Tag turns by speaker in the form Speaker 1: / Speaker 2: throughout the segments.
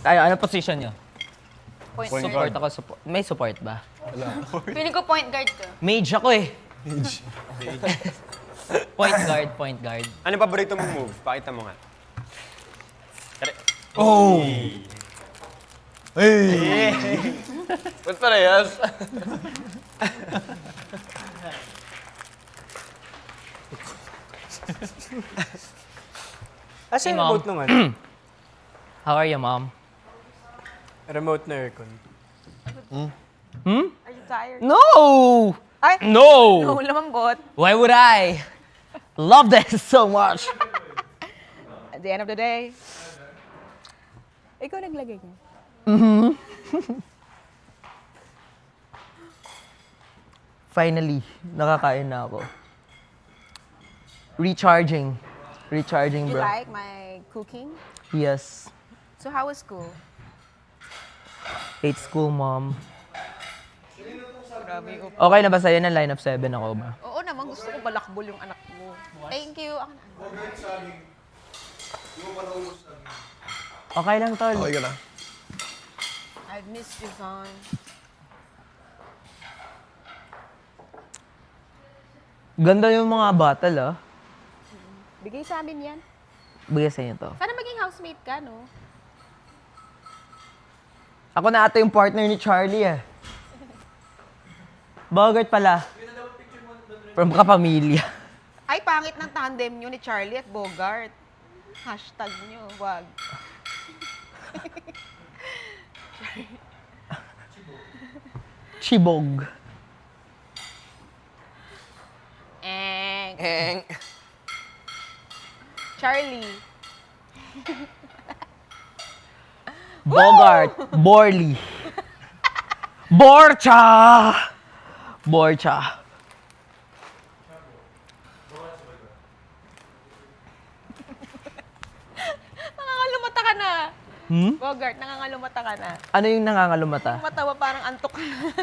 Speaker 1: Ano position nyo?
Speaker 2: Point
Speaker 1: Support ako. May support ba?
Speaker 2: Feeling ko point guard ka.
Speaker 1: Mage ako eh. Point guard.
Speaker 3: Ano paborito mong move? Pakita mo nga.
Speaker 4: Oh! Hey!
Speaker 3: Ba't parehas?
Speaker 5: Asa yung
Speaker 1: Mom.
Speaker 5: remote nung ano?
Speaker 1: How are you, mom?
Speaker 5: Remote na aircon.
Speaker 2: Are you tired?
Speaker 1: No!
Speaker 2: Ay!
Speaker 1: No!
Speaker 2: No, lamambot.
Speaker 1: Why would I? Love this so much.
Speaker 2: At the end of the day, ikaw naglagay niya.
Speaker 1: Finally, nakakain na ako. Recharging. Recharging,
Speaker 2: You
Speaker 1: bro.
Speaker 2: like my cooking?
Speaker 1: Yes.
Speaker 2: So how was school?
Speaker 1: Hate school, mom.
Speaker 2: Grabe ko.
Speaker 1: Okay na ba sa'yo na line of 7 ako ba?
Speaker 2: Oo naman, gusto ko balakbol yung anak mo. Thank you. Ako na.
Speaker 1: Okay lang, tol.
Speaker 4: Okay ka na.
Speaker 2: I've missed you, son.
Speaker 1: Ganda yung mga battle, ah.
Speaker 2: Bigay sa amin yan.
Speaker 1: Bigay sa inyo to.
Speaker 2: Sana maging housemate ka, no?
Speaker 1: Ako na ata yung partner ni Charlie, eh. Bogart pala. From kapamilya.
Speaker 2: Ay, pangit ng tandem nyo ni Charlie at Bogart. Hashtag nyo, wag.
Speaker 1: Chibog.
Speaker 2: Eng. Charlie.
Speaker 1: Bogart. Borley. Borcha! Borcha.
Speaker 2: Nangangalumata ka na.
Speaker 1: Hmm?
Speaker 2: Bogart, nangangalumata ka na.
Speaker 1: Ano yung nangangalumata?
Speaker 2: Matawa parang antok.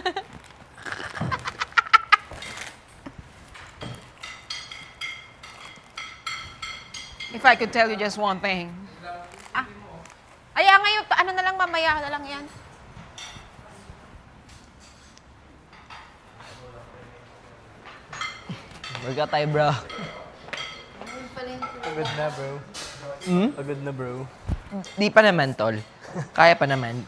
Speaker 2: If I could tell you just one thing. Ah. Aya ngayon, ano na lang mamaya na lang yan.
Speaker 1: Workout tayo, bro.
Speaker 5: Pagod na, bro. Pagod na, bro.
Speaker 1: Di pa naman, tol. Kaya pa naman.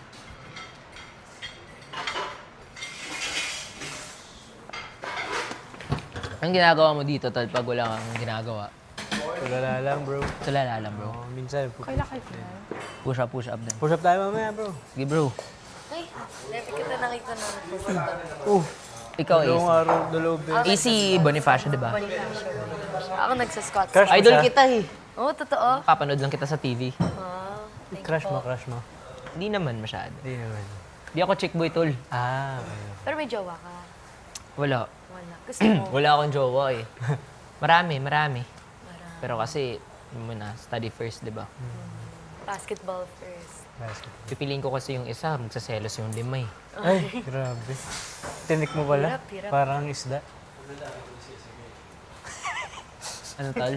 Speaker 1: Ang ginagawa mo dito, tol, pag wala kang ginagawa?
Speaker 5: Tulala lang, bro.
Speaker 1: Tulala lang, bro.
Speaker 5: Oh, minsan.
Speaker 2: Kailan kayo?
Speaker 1: Push up din.
Speaker 5: Push up tayo mamaya, bro.
Speaker 1: Sige, bro.
Speaker 6: Ay, never kita nakita na pupunta.
Speaker 1: Ikaw,
Speaker 5: Dalawang
Speaker 1: AC.
Speaker 5: araw, dalawang din.
Speaker 1: AC Bonifacio, di ba?
Speaker 6: Ako nagsa-squat.
Speaker 5: Crush mo
Speaker 1: Idol
Speaker 5: siya?
Speaker 1: kita eh.
Speaker 6: Oo, totoo.
Speaker 1: Papanood lang kita sa TV.
Speaker 5: Crush mo, crush mo.
Speaker 1: Hindi naman masyado.
Speaker 5: Hindi naman.
Speaker 1: Di ako chick boy, tol.
Speaker 5: Ah, okay.
Speaker 6: Pero may jowa ka.
Speaker 1: Wala.
Speaker 6: Wala. Gusto mo.
Speaker 1: Wala akong jowa eh. Marami. Pero kasi, yun muna, study first, di ba?
Speaker 6: Basketball first.
Speaker 5: Basketball.
Speaker 1: Pipiliin ko kasi yung isa, magsaselos yung lima eh.
Speaker 5: Ay, grabe. Tinik mo pala.
Speaker 6: Hirap.
Speaker 5: Parang isda.
Speaker 1: Ano, tol?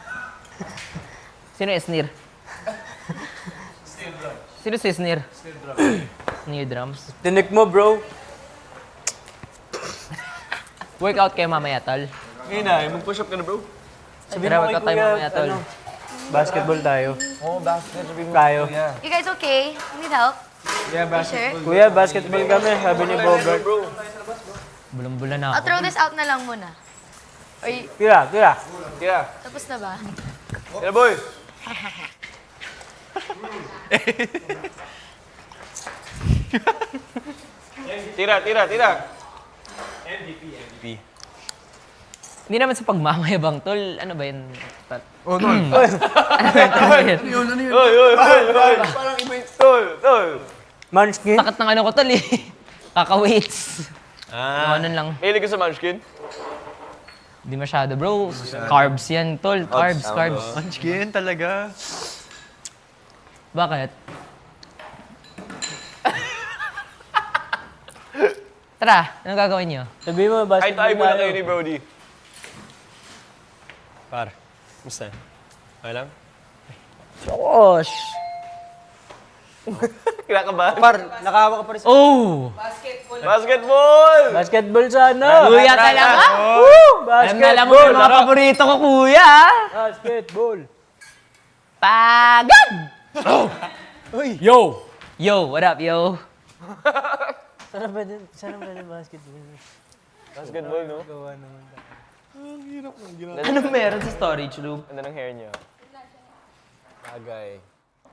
Speaker 1: Sino Esnir? Sino si Esnir? Snare drums.
Speaker 5: Tinik mo, bro.
Speaker 1: Workout kayo mamaya, tol.
Speaker 3: Ngayon na, mag-push up ka na bro.
Speaker 1: Tara, workout tayo mamaya, tol.
Speaker 5: Basketball tayo.
Speaker 4: Oo, basket. Sabi mo.
Speaker 5: Tayo.
Speaker 6: You guys okay? You need help?
Speaker 3: Yeah,
Speaker 6: Sure?
Speaker 5: Kuya, basketball kami. Sabi ni Bogart.
Speaker 1: Bulong-bula na
Speaker 6: I'll
Speaker 1: ako.
Speaker 6: throw this out na lang muna. Or
Speaker 5: Tira.
Speaker 3: Tira.
Speaker 6: tapos na ba?
Speaker 3: Tira boy. Tira. MVP.
Speaker 1: Hindi naman sa pagmamayabang, tol. Ano ba yun?
Speaker 4: Oh, no.
Speaker 1: Ano ba yun?
Speaker 4: Yun, ano yun?
Speaker 3: Oy. Parang iba yung tol.
Speaker 5: Munchkin.
Speaker 1: Sakit ng ano ko, tol eh. Kaka-weights.
Speaker 3: Ah.
Speaker 1: Ano lang.
Speaker 3: Mahilig ka sa munchkin?
Speaker 1: Hindi masyado, bro. Carbs yan, tol. Carbs.
Speaker 4: Munchkin talaga.
Speaker 1: Bakit? Tara, anong gagawin niyo?
Speaker 5: Sabi mo,
Speaker 3: Kahit
Speaker 5: basketball
Speaker 3: tayo muna kayo
Speaker 5: tayo.
Speaker 3: ni Brody. Par, musta? Okay lang?
Speaker 1: Josh!
Speaker 3: Kinakabahan.
Speaker 4: Par, nakahawak ka pa rin sa...
Speaker 1: Oh!
Speaker 3: Basketball!
Speaker 5: Basketball sana.
Speaker 1: Kuya talaga? Alam na alam mo
Speaker 5: Basketball.
Speaker 1: yung mga paborito ko, kuya.
Speaker 5: Basketball.
Speaker 1: Pagod!
Speaker 5: Yo!
Speaker 1: Yo, what up, yo?
Speaker 5: Sana pwede basketball.
Speaker 3: Basketball, no?
Speaker 5: Gawa naman.
Speaker 1: Anong meron sa storage room?
Speaker 3: Ganda ng hair niya. Bagay.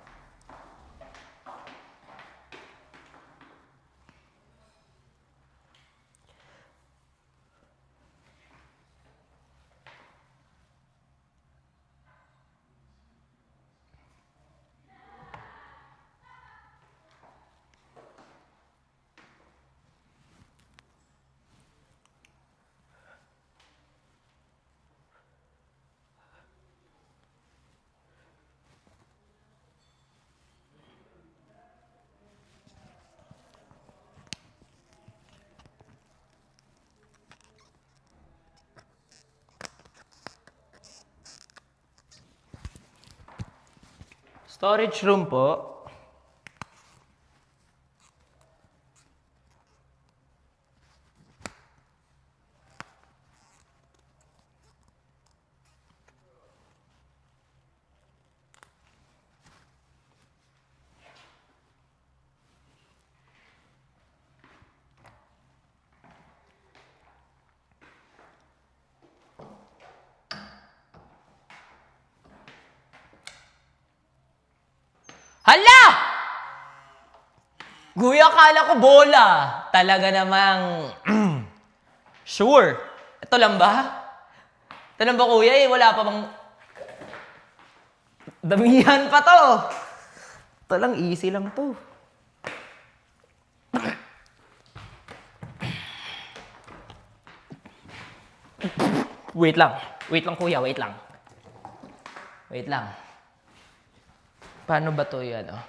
Speaker 1: Storage room po. Hala! Kuya, akala ko bola. Talaga namang... sure. Ito lang ba? Ito lang ba, kuya? Eh, wala pa bang... Damihan pa to. Ito lang, easy lang to. Wait lang. Wait lang, kuya. Wait lang. Wait lang. Paano ba to yan, oh?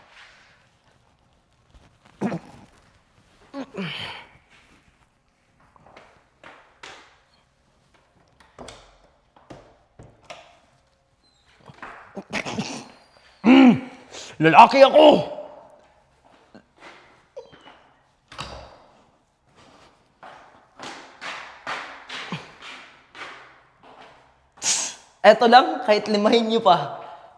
Speaker 1: Lalaki ako! Eto lang, kahit limahin niyo pa.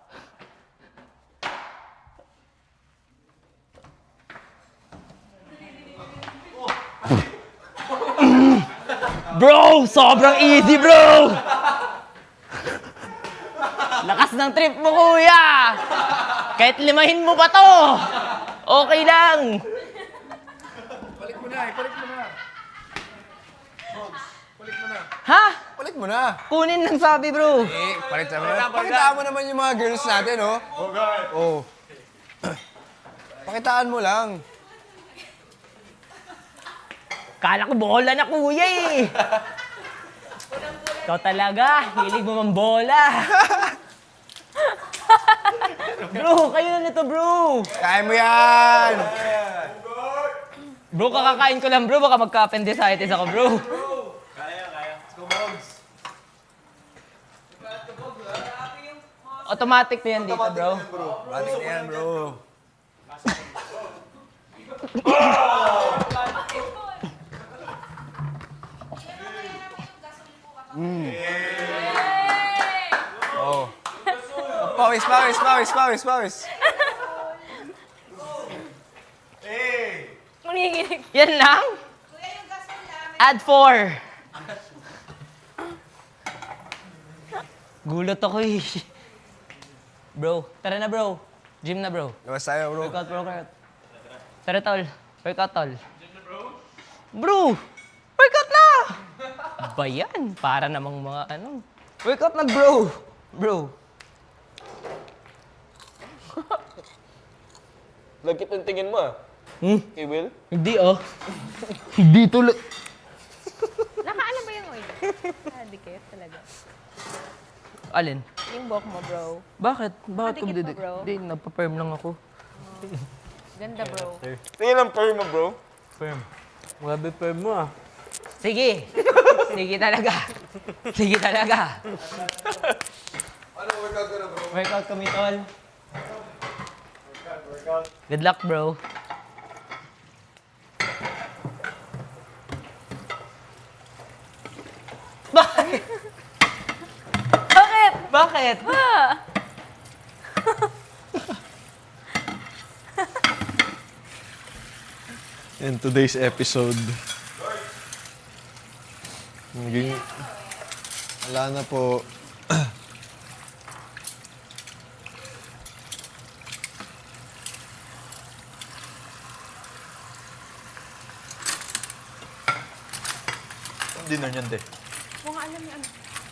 Speaker 1: Bro! Sobrang easy, bro! Lakas ng trip mo, kuya! Kahit limahin mo pa to! Okay lang!
Speaker 4: Balik mo na, balik mo na. Balik mo na.
Speaker 1: Ha?
Speaker 4: Balik mo na.
Speaker 1: Kunin lang sabi, bro.
Speaker 4: Eh, palit naman. Pakitaan mo naman yung mga girls natin, oh. Oh. Pakitaan mo lang.
Speaker 1: Kala ko bola na, kuya eh. Ikaw talaga, hilig mo mang bola. Bro, kayo na nito, bro.
Speaker 4: Kaya mo yan.
Speaker 1: Bro, kakakain ko lang, bro. Baka magka-appendicitis ako, bro. Automatic na yan dito, bro.
Speaker 4: Batik na yan, bro. Oh. Pawis, pawis, pawis, pawis, pawis.
Speaker 6: Manginginig.
Speaker 1: Yan lang? Add 4. Gulot ako eh. Bro, tara na bro. Gym na bro.
Speaker 4: Labas tayo, bro.
Speaker 1: Workout, bro, workout. Tara tol. Workout tol. Bro! Workout na! Ba yan? Para namang mga ano. Workout na bro! Bro.
Speaker 3: Lagkit ng tingin mo, ah. Kay Will?
Speaker 1: Hindi oh. Hindi tuloy.
Speaker 2: Nakaano ba yung oil? Dikit talaga.
Speaker 1: Alin?
Speaker 2: Yung buhok mo, bro.
Speaker 1: Bakit? Bakit ko
Speaker 2: Madikit pa, bro.
Speaker 1: Hindi, nagpa-perm lang ako.
Speaker 2: Ganda, bro.
Speaker 3: Tingin ang perm mo, bro.
Speaker 5: Grabe firm mo ah.
Speaker 1: Sige. Sige talaga. Sige talaga.
Speaker 4: Ano, workout ka na, bro?
Speaker 1: Workout kami, tol. Good luck, bro. Bakit?
Speaker 6: Bakit?
Speaker 1: Bakit?
Speaker 7: In today's episode, naging, wala na po.
Speaker 8: Ang dinner niyan, te.
Speaker 2: Mo nga alam niya ano.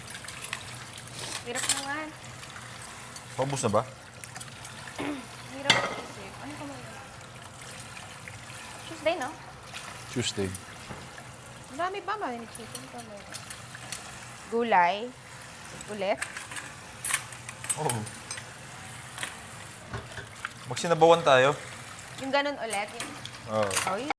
Speaker 2: Hirap naman.
Speaker 8: Paubos na ba?
Speaker 2: Hirap isip. Ano ka mo yun? Tuesday, no?
Speaker 7: Tuesday.
Speaker 2: Ang dami pa, may chicken pa meron. Gulay. Ulit.
Speaker 8: Oo. Magsinabawan tayo.
Speaker 2: Yung ganun ulit. Yung...
Speaker 8: Oo.
Speaker 2: Oh,